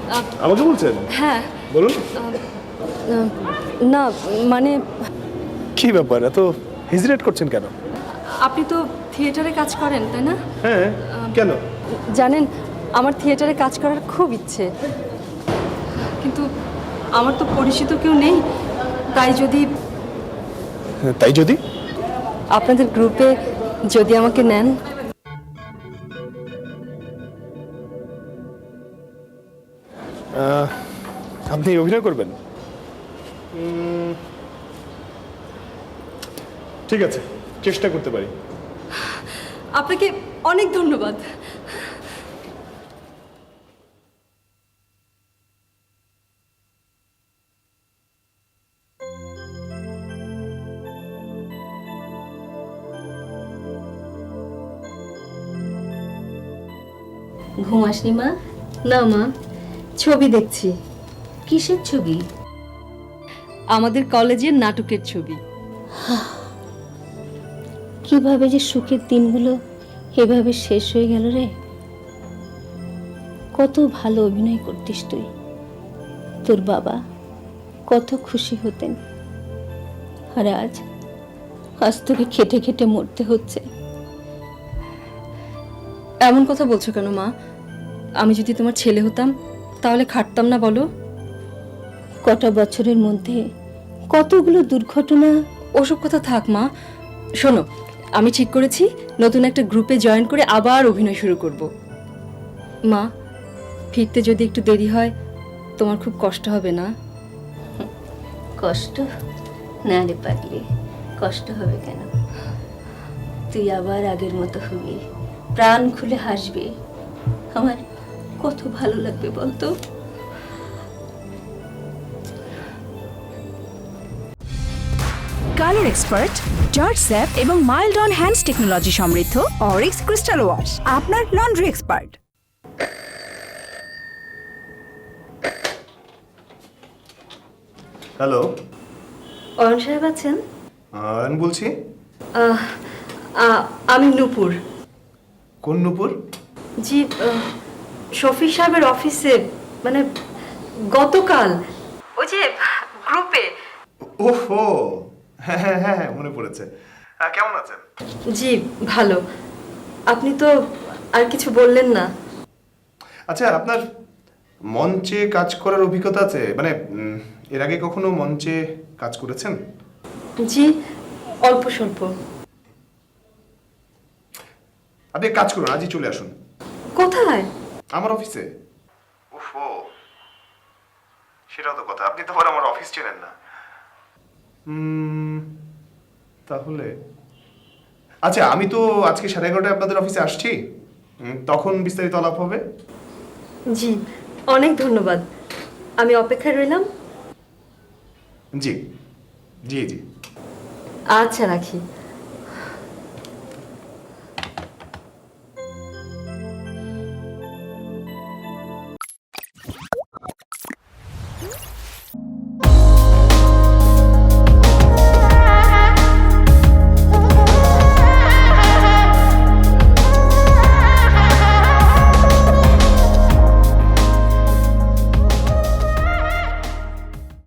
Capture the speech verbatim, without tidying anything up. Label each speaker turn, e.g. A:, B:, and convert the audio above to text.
A: আমাকে বলছেন?
B: হ্যাঁ।
A: বলুন।
B: না মানে
A: কি ব্যাপার, এত হেজিটেট করছেন কেন?
B: আপনি তো থিয়েটারে কাজ করেন তাই না?
A: হ্যাঁ, কেন?
B: জানেন আমার থিয়েটারে কাজ করার খুব ইচ্ছে, কিন্তু আমার তো পরিচিত কেউ নেই। তাই যদি
A: তাই যদি
B: আপনাদের গ্রুপে যদি আমাকে নেন।
A: আপনি অভিনয় করবেন? ঠিক আছে, চেষ্টা করতে পারি।
B: আপনাকে অনেক ধন্যবাদ।
C: ঘুম আসনি মা?
B: না মা, ছবি দেখছি।
C: কিসের ছবি?
B: আমাদের কলেজের নাটকের ছবি।
C: কিভাবে যে সুখের দিনগুলো এভাবে শেষ হয়ে গেল রে। কত ভালো অভিনয় করতিস তুই, তোর বাবা কত খুশি হতেন, আর আজ আজ তোকে খেটে খেটে মরতে হচ্ছে।
B: এমন কথা বলছো কেন মা? আমি যদি তোমার ছেলে হতাম তাহলে খাটতাম না বলো?
C: কটা বছরের মধ্যে কতগুলো দুর্ঘটনা।
B: ওসব কথা থাক মা, শোনো আমি ঠিক করেছি নতুন একটা গ্রুপে জয়েন করে আবার অভিনয় শুরু করব। মা, ফিরতে যদি একটু দেরি হয় তোমার খুব কষ্ট হবে না?
C: কষ্ট না রে পাগলি, কষ্ট হবে কেন? তুই আবার আগের মতো হবি, প্রাণ খুলে হাসবি, আমার কত ভালো লাগবে বলতো।
D: কালার এক্সপার্ট, জর্জ স্যাপ এবং মাইল্ড অন হ্যান্ডস টেকনোলজি সমৃদ্ধ অরিক্স ক্রিস্টাল ওয়াশ আপনার লন্ড্রি এক্সপার্ট।
A: হ্যালো,
B: অয়ন সাহেব আছেন?
A: আমি বলছি।
B: আমি নূপুর।
A: কোন নূপুর?
B: জি, শফিক সাহেবের অফিসে, মানে গতকাল ওই যে গ্রুপে।
A: ওহো, হ্যাঁ হ্যাঁ হ্যাঁ মনে পড়েছে। কেমন আছেন?
B: জি ভালো। আপনি তো আর কিছু বললেন না।
A: আচ্ছা, আপনার মঞ্চে কাজ করার অভিজ্ঞতা আছে? মানে এর আগে কখনো মঞ্চে কাজ করেছেন?
B: জি, অল্প স্বল্প।
A: আপনি এক কাজ করুন, আজই চলে আসুন।
B: কোথায়?
A: আমার অফিসে। ওহো, সেটাও তো কথা, আপনি তো আবার আমার অফিস চেনেন না। হুম, তাহলে আচ্ছা, আমি তো আজকে সাড়ে এগারোটায় আপনাদের অফিসে আসছি, তখন বিস্তারিত আলাপ হবে।
B: জি, অনেক ধন্যবাদ। আমি অপেক্ষায় রইলাম।
A: জি জি জি।
B: আচ্ছা, রাখি।